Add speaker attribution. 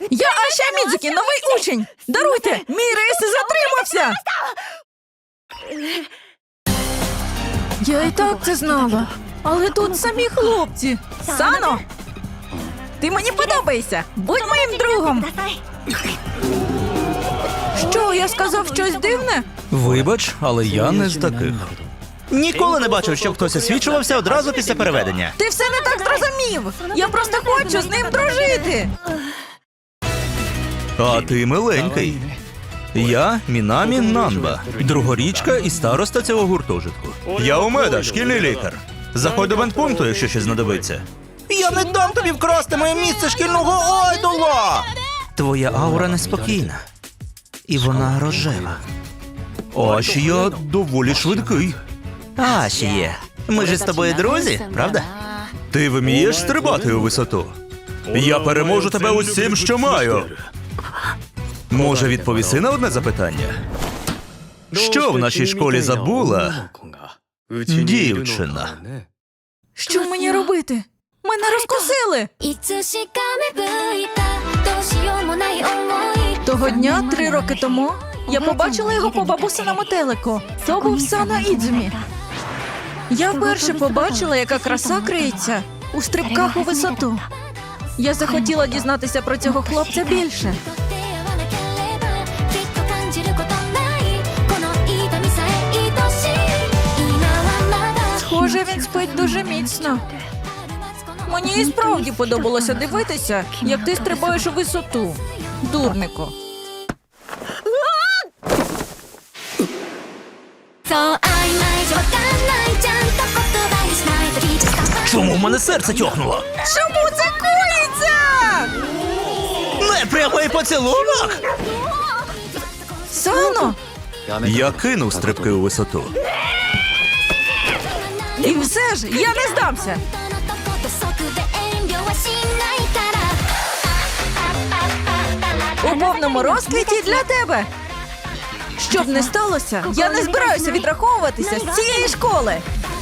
Speaker 1: Я Аша Мідзукі, новий учень! Даруйте, мій рейс затримався! Я і так це знала. Але тут самі хлопці. Сано! Ти мені подобаєшся! Будь моїм другом! Що, я сказав щось дивне?
Speaker 2: Вибач, але я не з таких.
Speaker 3: Ніколи не бачив, щоб хтось освічувався одразу після переведення.
Speaker 1: Ти все не так зрозумів! Я просто хочу з ним дружити!
Speaker 2: А ти миленький. Я Мінамі Нанба, другорічка і староста цього гуртожитку. Я Умеда, шкільний лікар. Заходь до бендпункту, якщо щось знадобиться.
Speaker 3: Я не дам тобі вкрасти моє місце шкільного айдола!
Speaker 2: Твоя аура неспокійна. І вона рожева. Аж я доволі швидкий.
Speaker 3: Ашіє, ми ж з тобою друзі, правда?
Speaker 2: Ти вмієш стрибати у висоту? Я переможу тебе усім, що маю. Може, відповіси на одне запитання? Що в нашій школі забула дівчина?
Speaker 1: Що мені робити? Мене розкусили!
Speaker 4: いつしか芽吹いたどうしようもない想い
Speaker 1: Того дня, 3 роки тому, я побачила його по бабусиному телеку. То був Сано Ідзумі. Я вперше побачила, яка краса криється у стрибках у висоту. Я захотіла дізнатися про цього хлопця більше.
Speaker 4: 出会わなければきっと感じることないこの痛みさえ愛しい今はまだ
Speaker 1: Схоже, він спить дуже міцно. Мені і справді подобалося дивитися, як ти стрибаєш у висоту. Дурнику.
Speaker 4: そう曖昧じゃわかんないちゃんと言葉にしないとリーチスター
Speaker 2: Чому в мене серце тьохнуло?
Speaker 1: Чому це коїться?
Speaker 3: Непрямий поцілунок!
Speaker 1: Сано!
Speaker 2: Я кинув стрибки у висоту.
Speaker 1: І все ж, я не здамся.
Speaker 4: のとこと即で遠慮はしないから
Speaker 1: У повному розквіті для тебе. Щоб не сталося, я не збираюся відраховуватися з цієї школи.